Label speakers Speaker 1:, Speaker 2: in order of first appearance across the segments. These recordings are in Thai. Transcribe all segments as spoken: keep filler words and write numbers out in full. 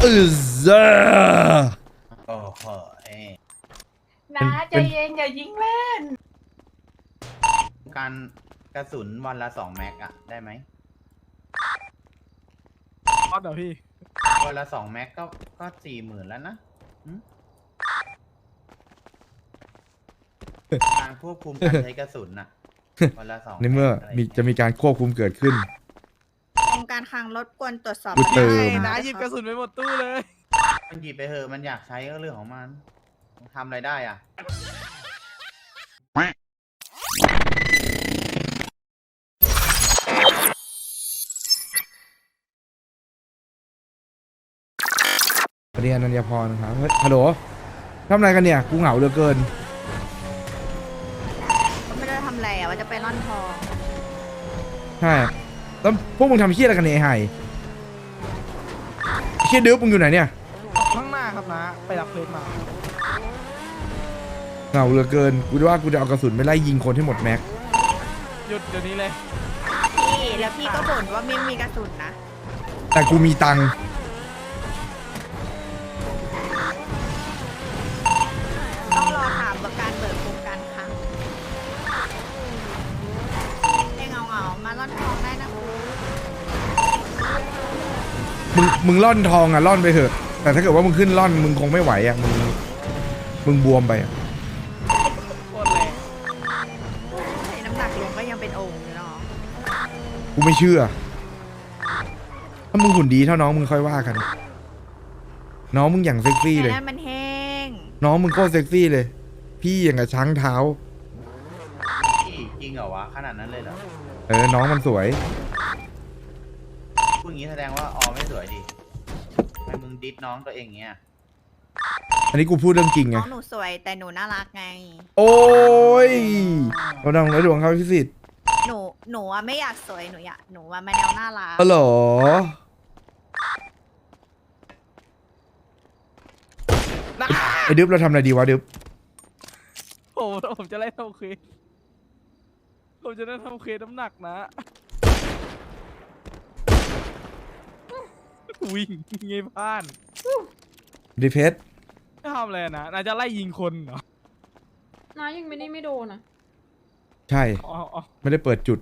Speaker 1: อือซ่า
Speaker 2: โอ้โห
Speaker 3: นะใจเย็นอย่ายิงเล่น
Speaker 2: การกระสุนวันละสองแม็กอะได้ไหม
Speaker 4: ออสเหรอพี่
Speaker 2: วันละสองแม็กก็ก็สี่หมื่นแล้วนะการควบคุมการใช้กระสุนน่ะวันละสอง
Speaker 1: ในเมื่อมีจะมีการควบคุมเกิดขึ้น
Speaker 5: องค์การคลังรบกวนตรวจสอบ
Speaker 1: กูเติม
Speaker 5: ปัญหา
Speaker 4: นะหยิบกระสุนไปหมดตู้เลย
Speaker 2: มันหยิบไปเถอะมันอยากใช้ก็เรื่องของมันทำอะไรได้อ่ะ
Speaker 1: สวัสดีอนัญญาพรครับเฮ้ยฮัลโหลทำอะไรกันเนี่ยกูเหงาเหลือเกิน
Speaker 5: ก็ไม่ได้ทำอะไรอ่ะว่าจะไปร่อนทอง
Speaker 1: ใช่แล้วพวกมึงทำเชี่ยอะไรกันเนี่ยไอ้ไห่เชี่ยดื้อมึงอยู่ไหนเนี่ย
Speaker 4: ข้างหน้าครับนะ ไปรับเพลงมา
Speaker 1: เหงาเหลือเกินกูจะว่ากูจะเอากระสุนไปไล่ยิงคนให้หมดแม็ก
Speaker 4: หยุดเดี๋ยวนี้เลย
Speaker 5: พี่แล้วพี่ก็บ่นว่าไม่มีกระสุนนะ
Speaker 1: แต่กูมีตังค์
Speaker 5: ต้องรอถามประการเบิกโครงการคลังไอ้เงาเงาๆมาร่อนทองได้นะ
Speaker 1: มึงมึงล่อนทองอ่ะล่อนไปเถอะแต่ถ้าเกิดว่ามึงขึ้นล่อนมึงคงไม่ไหวอ่ะมึงมึงบวมไปอะ
Speaker 4: โคตรแรง
Speaker 5: ใช้น้ำหนักลงก็ยังเป็นโอ่งอยู่เนาะ
Speaker 1: กูไม่เชื่อถ้ามึงหุ่นดีเท่าน้องมึงค่อยว่ากัน น้องมึงอย่างเซ็กซี่
Speaker 5: แต่
Speaker 1: เลย
Speaker 5: นั้นมันแห้ง
Speaker 1: น้องมึงโคตรเซ็กซี่เลย พี่อย่างกับช้างเท้า
Speaker 2: จริงเหรอวะขนาดนั้นเลยเหรอ
Speaker 1: เออน้องมันสวย
Speaker 2: พูดอย่างนี้แสดงว่าออไม่สวยดิทำไมมึงดิสน้องตัวเองเงี้ย
Speaker 1: อันนี้กูพูดเรื่องจริงไง
Speaker 5: น้องหนูสวยแต่หนูน่ารักไง
Speaker 1: โอ้ยเราดังไร้ดวงเขาพิสิทธิ์
Speaker 5: หนูหนูอะไม่อยากสวยหนูอยากหนูว่ามาแนวน่ารัก
Speaker 1: อ๋อเหรอไอ้ดึ๊บเราทำอะไรดีวะดึ๊บ
Speaker 4: โอ้โหผมจะไล่ทำเควสผมจะได้ทำเควสน้ำหนักนะ วิ่งไงบ้าน
Speaker 1: ดิเพชร
Speaker 4: จะทำอะไรนะน่าจะไล่ยิงคนเหรอ
Speaker 3: น้ายังไม่ได้ไม่โดนนะ
Speaker 1: ใช่
Speaker 4: อ๋ออ๋อ
Speaker 1: ไม่ได้เปิดจุด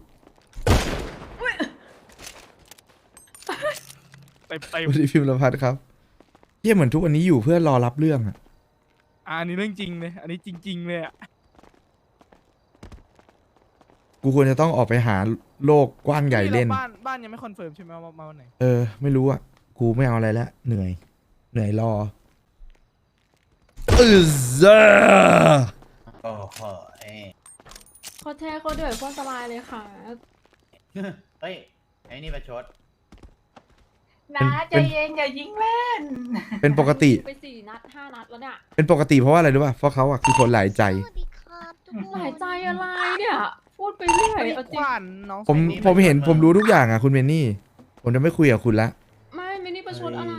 Speaker 4: ไปไป
Speaker 1: วันนี้พิมพ์ละพัดครับเยี่ยเหมือนทุกวันนี้อยู่เพื่อรอรับเรื่องอะ
Speaker 4: อะอันนี้เรื่องจริงเลย อันนี้จริง ๆ เลยอะ
Speaker 1: กูควรจะต้องออกไปหาโลกกว้างใหญ่เล่น
Speaker 4: นี่ราบ้านบ้านยังไม่คอนเฟิร์มใช่ไหมว่ามาวันไหน
Speaker 1: เออ ไม่รู้อะกูไม่เอาอะไรแล้ว เหนื่อย เหนื่อยรออือซ่า
Speaker 2: โอ้โห
Speaker 3: เขาแท้เขาเดือดโคตรสบายเลยค่ะ
Speaker 2: เฮ้ยไอ้นี่ประชด
Speaker 3: นะใจเย็นอย่ายิงเล่น
Speaker 1: เป็นปกติ
Speaker 3: ไปสี่นัดห้านัดแล้วเนี่ย
Speaker 1: เป็นปกติเพราะว่าอะไรรู้ป่ะเพราะเขาอะคือคนหลายใจ
Speaker 6: สวัสดีครับทุกคน
Speaker 3: หลายใจอะไรเนี่ย พูดไปเรื่อยเอาจ
Speaker 4: ข
Speaker 3: ริง
Speaker 4: วานน้อง
Speaker 1: ผม
Speaker 4: ใส่นี่
Speaker 1: ผมเห็นผมรู้ทุกอย่างอะคุณเมนนี่ ผมจะไม่คุยกับคุณละ
Speaker 3: ไม่ไม่นี่ประชดอะไร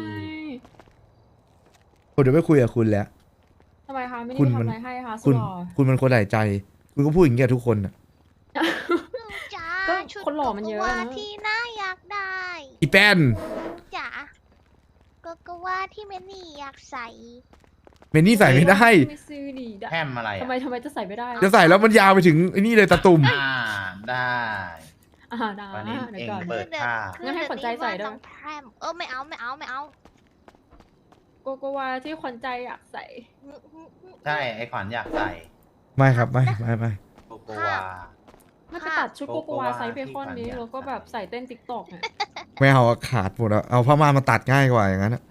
Speaker 1: ผมจะไม่คุยกับคุณแล้ว
Speaker 3: ทำไมคะไม่
Speaker 1: คุ
Speaker 3: ได้
Speaker 1: ณ
Speaker 3: ทำ
Speaker 1: มัน
Speaker 3: อะไรให้คะสุ
Speaker 1: คุณ
Speaker 3: ดหล่อ
Speaker 1: คุณมันคนหลายใจ คุณก็พูดอย่างเงี้ยทุกคนอะ
Speaker 6: หนูจ๋า
Speaker 3: ก็
Speaker 6: ชุด
Speaker 3: คนหล่อมันเยอะ
Speaker 6: โกโกวา
Speaker 3: นะ
Speaker 6: ที่น่าอยากได้
Speaker 1: อีแป้น
Speaker 6: จ๋าโกโกวาที่เมนี่อยากใส่
Speaker 1: เมนนี่ใส่ไม่ได้
Speaker 3: ไม่ซื้อดีได้
Speaker 2: แฮมอะไร
Speaker 3: ทำ
Speaker 2: อ่ะ
Speaker 3: ไมทำไมจะใส่ไม่ได้
Speaker 1: จะใส่แล้วมันยาวไปถึงไอ้นี่เลยตะตุ่ม
Speaker 2: อ่าได้
Speaker 3: อ่าได้
Speaker 2: วันนี้
Speaker 3: เดี๋ย
Speaker 2: เอ
Speaker 3: ว
Speaker 2: ง
Speaker 3: ก่อน
Speaker 2: เปิดค่า
Speaker 3: งั้นให้ขวัญใจใส่ด้วย
Speaker 6: น้องแพรมเออไม่เอาไม่เอาไม่เอา
Speaker 3: โกโกวาที่ขวัญใจอยากใส่
Speaker 2: ใช่ไอ้ขวัญอยากใส่
Speaker 1: ไม่ครับไม่ไม่ไม่
Speaker 2: โกโกวา
Speaker 3: ไม่ไปตัดชุดโกโกวาไซส์เบคอนนี้
Speaker 2: ที่ขวัญอยาก
Speaker 3: แล้วก็แบบใส่เต้นติ๊กตอกเนี่ย
Speaker 1: ไม่เอาอะขาดหมดอะเอาผ้าม่านมาตัดง่ายกว่าอย่างนั้นอะ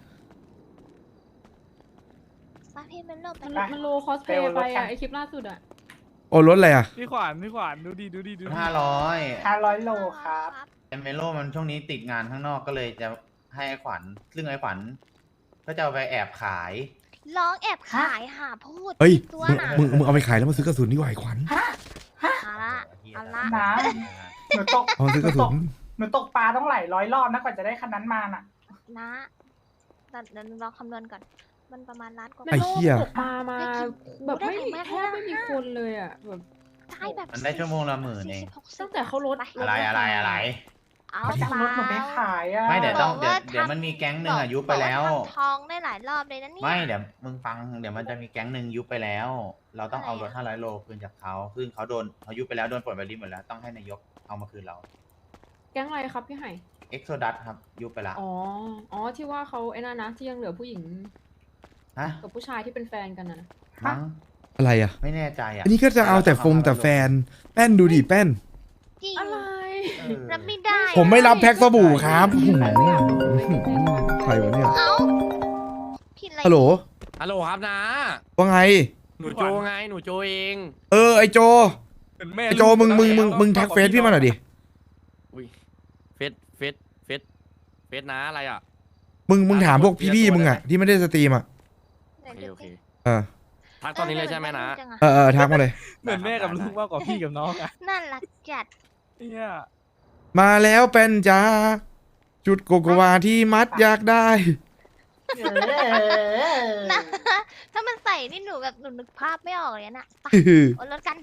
Speaker 6: มาพี่เป็นโลกไป
Speaker 3: มัน
Speaker 6: ละ
Speaker 3: มันโลคอสเพย์ไปอะไอคลิปล่าสุดอะ
Speaker 1: โอ้รถอะไรอะ
Speaker 4: พี่ขวานพี่ขวานดูดีดูดีดูดี
Speaker 2: ห้าร้อย
Speaker 7: ห้าร้อยโลครับ
Speaker 2: เอเมโลมันช่วงนี้ติดงานข้างนอกก็เลยจะให้ไอ้ขวัญ ซึ่งไอ้ขวัญก็จะเอาไปแอบขาย
Speaker 6: ร้องแอบขายหาพูด
Speaker 1: เฮ้ย
Speaker 6: ตัว
Speaker 1: มึง
Speaker 6: น่ะ
Speaker 1: มึงมึงเอาไปขายแล้วมาซื้อกระสุนดีกว่าไอ้ขวัญ
Speaker 6: เอาละเอาละ
Speaker 7: น้ำหนูตก
Speaker 1: เอามาซื้อกระสุน
Speaker 7: หนูตกปลาต้องหลายร้อยรอบนะกว่าจะได้คันนั้นมาน่ะ
Speaker 6: นะเดี๋ยวเดี๋ยวเราคำนวณก่อน มันประมาณล้านกว่า
Speaker 3: ใน
Speaker 1: ไอ้
Speaker 3: โล
Speaker 1: เหี้
Speaker 3: ก
Speaker 1: ย
Speaker 3: ตกปลามาแบบไม่มีแทบไม่มีคนเลยอะแบบ
Speaker 6: ได้แบบ
Speaker 2: มันได้ชั่วโมงละหมื่นเอง
Speaker 6: สี่สิบหกสิบ
Speaker 3: ตั้งแต่เขาลด
Speaker 6: ไป
Speaker 2: อะไรอะไรอะไร
Speaker 6: เอา
Speaker 7: เขาจะเอารถหนูไปขายอ่ะ
Speaker 2: ไม่เดี๋ยวต้อง
Speaker 6: บ
Speaker 2: เดี๋ยว
Speaker 6: ว่า
Speaker 2: เดี๋ยวมันมีแก๊งหนึ่งอะยุบไปแล้ว
Speaker 6: บอกาทำทองได้หลายรอบเลยนะเนี่ย
Speaker 2: ไม่เดี๋ยวมึงฟังเดี๋ยวมันจะมีแก๊งหนึ่งยุบไปแล้ว เราต้องเอารถ
Speaker 6: อะไรอะ
Speaker 2: ห้าร้อยโลคืนจากเขาซึ่งเขาโดนเขายุบไปแล้วโดนปลดใบริหมดแล้วต้องให้นายกเอามาคืนเรา
Speaker 8: แก๊งอะไรครับพี่ไห่
Speaker 2: เอ็กโซดัสครับยุบไปละ
Speaker 8: อ๋อ อ๋อ ที่ว่าเขาไอ้นั่นนะ ที่ยังเหลือผู้หญิง
Speaker 2: ฮะ
Speaker 8: กับผู้ชายที่เป็นแฟนกันนะ
Speaker 2: มั้ง
Speaker 1: อะไรอ่ะ
Speaker 2: ไม่แน่ใจอ่ะ
Speaker 1: อันนี้ก็จะเอาแต่ฟงแต่แฟน แป้นดูดิแป้น
Speaker 6: จริง
Speaker 8: อะไร
Speaker 2: เออ
Speaker 6: รับไม่ได้
Speaker 1: ผมไม่รับแพ็คสบู่ครับ
Speaker 2: ไม่มีใครไม่เอา
Speaker 1: ใครวะเนี่ย
Speaker 6: เอ้าผิดอะไร
Speaker 1: ฮัลโหล
Speaker 9: ฮัลโหลครับนะ
Speaker 1: ว่าไง
Speaker 9: หนูโจไง หนูโจเอง
Speaker 1: เออไอโจ
Speaker 4: เป็นแม่
Speaker 1: ไอโจมึงมึงมึงมึงแท็กเฟซพี่มาหน่อยดิ
Speaker 9: อุ้ยเฟสเฟสเฟสเฟสนะอะไรอ่ะ
Speaker 1: มึงมึงถามพวกพี่ๆมึงอ่ะที่ไม่ได้สตรีมอ่ะ
Speaker 6: ไหน
Speaker 9: โอเค
Speaker 6: ดู
Speaker 9: โอเค
Speaker 6: สิ
Speaker 1: เออ
Speaker 9: ทักตอนนี้เลยใช่ไหมนะ
Speaker 6: จังอ
Speaker 1: เออเออทักมาเลย
Speaker 4: เหมือนแม่กับลูกมากกว่าพี่กับน้องอะ
Speaker 6: น่ารักจัด
Speaker 4: เนี่ย
Speaker 1: มาแล้วเป็นจ้าจุดโกโกวาที่มัดอยากได้
Speaker 7: เออ
Speaker 6: นะ ถ้ามันใส่นี่หนูแบบหนูนึกภาพไม่ออกเลยนะไปโอนรถกัน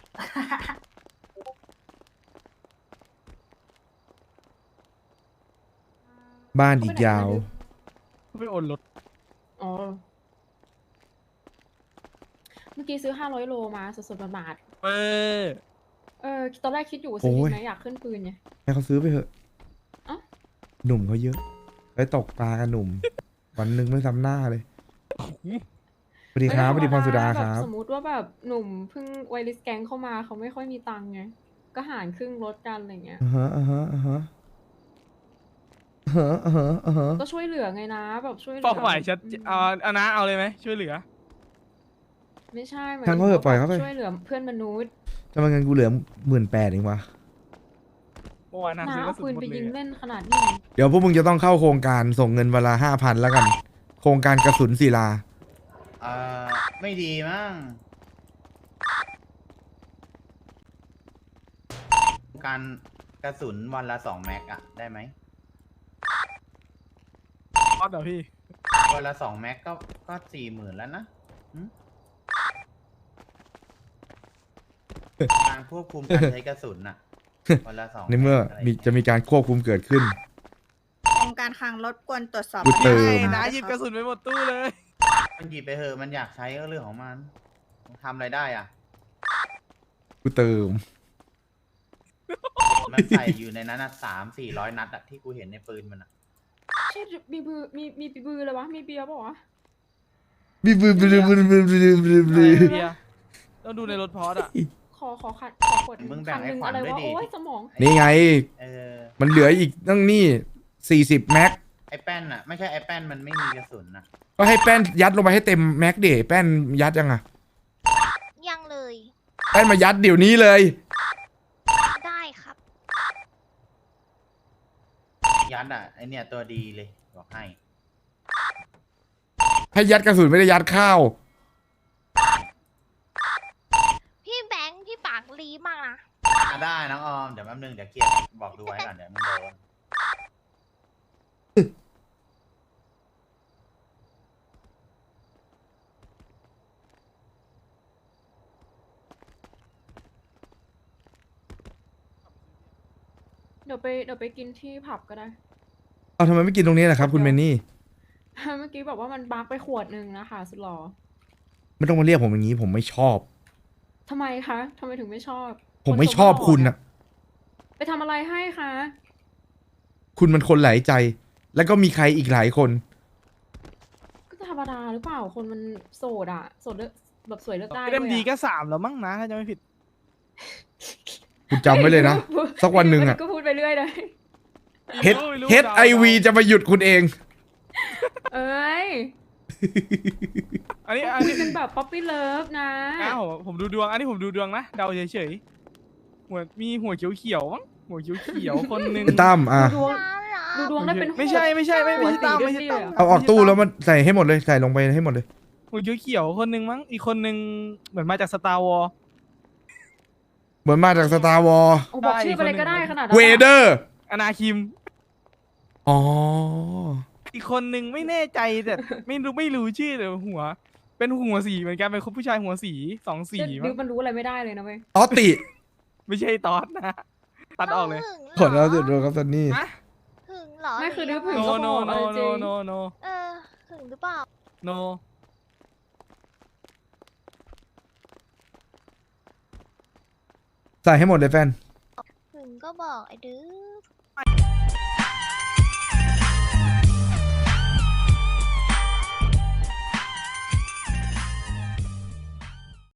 Speaker 1: บ้านอีกยาว
Speaker 4: ไปโอนรถ
Speaker 8: อ๋อ เมื่อกี้ซื้อห้าร้อยโลมาสดๆบาท
Speaker 4: เออ
Speaker 8: ๆเออ ตอนแรกคิดอยู่ว่าซื้อ
Speaker 1: โอ้ย
Speaker 8: ดีไหมอยากขึ้นปืนไง
Speaker 1: ให้เขาซื้อไปเถอะ
Speaker 8: เอ้า
Speaker 1: หนุ่มเขาเยอะไปตกปลากันหนุ่ม วันหนึ่งไม่ซ้ำหน้าเลยสวัสดีครับสวัสดีพรสุดาครับ
Speaker 8: แบบสมมติว่าแบบหนุ่มเพิ่งไวริสแก๊งเข้ามาเขาไม่ค่อยมีตังค์ไง ก็หารครึ่งลดกันอะไรเงี้ย
Speaker 1: อ่าฮะอ่าฮะอ่าฮะอ่าฮะอ่าฮะอ่าฮะ
Speaker 8: ก็ช่วยเหลือไงนะแบบช่วยเหลือ
Speaker 4: เป้าหมายชัดเจน
Speaker 8: อืม
Speaker 4: เอาเอานะเอาเลยไหมช่วยเหลือ
Speaker 8: ไม่ใช่หมาย
Speaker 1: ช่างเขาเถอะปล่อยเขาไป
Speaker 8: ช่วยเหลือเพื่อนมนุษย์
Speaker 1: ทำไมเงินกูเหลือหมื่นแปดเองวะ
Speaker 4: เมื่อวานนะ
Speaker 8: น้า
Speaker 4: ซื้อกระ
Speaker 8: เอา
Speaker 4: สุ
Speaker 8: ปื
Speaker 4: น
Speaker 8: น
Speaker 4: หมด
Speaker 8: ไป
Speaker 4: เล
Speaker 8: ยิง
Speaker 4: ย
Speaker 8: เล่นขนาดนี้
Speaker 1: เดี๋ยวพวกมึงจะต้องเข้าโครงการส่งเงินเวลาห้าพันแล้วกัน โครงการกระสุนศิลา
Speaker 2: เออไม่ดีมั้งการกระสุนวันละสองแม็กอะได้ไหม
Speaker 4: ออสเหรอพี่
Speaker 2: วันละสองแม็กก็ก็สี่หมื่นแล้วนะหึการควบคุมการใช้กระสุนน่ะ วันละสอง
Speaker 1: ในเมื่อ
Speaker 2: แกะไร
Speaker 1: มีจะมีการควบคุมเกิดขึ้น
Speaker 5: องค์การคลังรบกวนตรวจสอบ
Speaker 1: กูเติม
Speaker 5: ปัญหา
Speaker 4: นะหยิบกระสุนไปหมดตู้เลย
Speaker 2: มันหยิบไปเถอะมันอยากใช้ก็เรื่องของมันทำอะไรได้อ่ะ
Speaker 1: กูเติม
Speaker 2: มันใส่อยู่ในนั้นสามสี่ร้อยนัดอะที่กูเห็นในปืนมันอะ
Speaker 8: ใช่มีบือมีมีปืนเลยวะมีเบียร์เปล่าวะ
Speaker 1: บีบบีบบีบบีบบีบบีบบีบบีบ
Speaker 4: เบียร์ต้องดูในรถพอสอะ
Speaker 8: ขอขอขัดขอขวด
Speaker 2: มึงแบ่ง
Speaker 8: คันห
Speaker 2: ให้
Speaker 8: นึ่ง
Speaker 2: ขวัญ
Speaker 8: อะไร
Speaker 2: ด้วย
Speaker 8: วะ
Speaker 2: ดิ
Speaker 8: โอ้ยสมอง
Speaker 1: นี่ไง
Speaker 2: เออ
Speaker 1: มันเหลืออีกตั้งนี่สี่สิบแม็ก
Speaker 2: ไอ้แป้นอะไม่ใช่ไอ้แป้นมันไม่มีกระสุนนะ
Speaker 1: ก็ให้แป้นยัดลงไปให้เต็มแม็กเดแป้นยัดยังอ่ะ
Speaker 6: ยังเลย
Speaker 1: แป้นมายัดเดี๋ยวนี้เลย
Speaker 6: ได้ครับ
Speaker 2: ยัดอะไอเนี่ยตัวดีเลยบอกให้
Speaker 1: ให้ยัดกระสุนไม่ได้ยัดข้าว
Speaker 6: พี่แบงค์พี่ปากลีมากนะ
Speaker 2: อ่ะได้น้องออมเดี๋ยวแป๊บนึงเดี๋ยวเคลียร์บอกดูไว้ก่อนเดี๋ยวมึงโดน
Speaker 8: เดี๋ยวไปเดี๋ยวไปกินที่ผับก็ได้
Speaker 1: เอาทำไมไม่กินตรงนี้ล่ะครับ คุณเมนนี่
Speaker 8: เมื่อกี้บอกว่ามันบักไปขวดหนึ่งนะคะสุดหล่อ
Speaker 1: ไม่ต้องมาเรียกผมอย่างนี้ ผมไม่ชอบ
Speaker 8: ทำไมคะทำไมถึงไม่ชอบ
Speaker 1: ผมไม่ชอบคุณอ่ะ
Speaker 8: ไปทำอะไรให้คะ
Speaker 1: คุณมันคนหลายใจ แล้วก็มีใครอีกหลายคน
Speaker 8: ก็ธรรมดาหรือเปล่าคนมันโสดอะโสดเลือกแบบสวยเลือกได้
Speaker 4: เอ็มดี
Speaker 8: ด้วย
Speaker 4: ก็
Speaker 8: อะ
Speaker 4: สามแล้วมั้งนะถ้าจะไม่ผิด
Speaker 1: คุณจำไว้เลยนะ สักวันหนึ่งอะ
Speaker 8: ก็พูดไปเรื่อยเลย
Speaker 1: เฮดเฮดไอวีจะมาหยุดคุณเอง
Speaker 8: เอ้ย
Speaker 4: อันนี้
Speaker 8: ก็
Speaker 4: อัน
Speaker 8: คุย
Speaker 4: นี้
Speaker 8: กันแบบป๊อปปี้เลิฟนะ
Speaker 4: อ้าวผมดูดวง อันนี้ผมดูดวงนะเดาเฉยๆหัวมีหัวเขียวๆมั้งหัวเขียวๆคนหนึง
Speaker 1: คุณตั้มอ่ะ
Speaker 8: ดูดวง
Speaker 6: ร้านเหรอ
Speaker 8: ดูดวงได้เป็น
Speaker 4: ไม่ใช่ไม่ใช่ไม่
Speaker 8: หัว
Speaker 4: ไม่ใช่ตั้ม
Speaker 8: สี
Speaker 4: ไม่ใช่
Speaker 8: ด้วย
Speaker 4: ตั้ม
Speaker 8: อะ
Speaker 1: เอาออกตู้แล้วมันใส่ให้หมดเลย ใส่ลงไปให้หมดเลย
Speaker 4: หัวเขียวๆคนหนึงมั้งอีกคนหนึงเหมือนมาจากสตาร์วอล
Speaker 1: เหมือนมาจากสตาร์วอล
Speaker 8: โอ้บอก
Speaker 4: ได้
Speaker 8: ชื่อไปเลย
Speaker 4: อีกคนหนึ่ง
Speaker 8: ก็ได้ขนาดนั้น
Speaker 1: เวเดอ
Speaker 8: อะ
Speaker 1: ร์
Speaker 4: อนาคิม
Speaker 1: อ๋อ
Speaker 4: อีกคนหนึ่งไม่แน่ใจแต่ ไม่รู้ไม่รู้ชื่อแต่หัว เป็นหัวสีเหมือนกันเป็นผู้ชายหัวสีสองสี
Speaker 8: เดี๋ยว
Speaker 4: มั้
Speaker 8: ดิว
Speaker 4: ง
Speaker 8: มันรู้อะไรไม่ได้เลยนะเว้ย
Speaker 1: ออติ
Speaker 4: ไม่ใช่ตอสนะตัดออกเลย
Speaker 1: ขอเราเดือดร้อนครับซันนี่
Speaker 4: ฮะ
Speaker 6: หึงเหรอ
Speaker 8: ไม่คือดื้อ
Speaker 6: หรื
Speaker 8: ผึ่ง
Speaker 6: ยัง
Speaker 4: โน
Speaker 6: ไง
Speaker 8: ก็
Speaker 4: โน
Speaker 8: บอก
Speaker 4: โน
Speaker 8: เอาจ
Speaker 4: โน
Speaker 8: ริง
Speaker 4: โนโน
Speaker 6: เออหึงหรือเปล่า
Speaker 4: โน
Speaker 1: ใส่ให้หมดเลยแฟน
Speaker 6: หึงก็บอกไอ้ดื้อ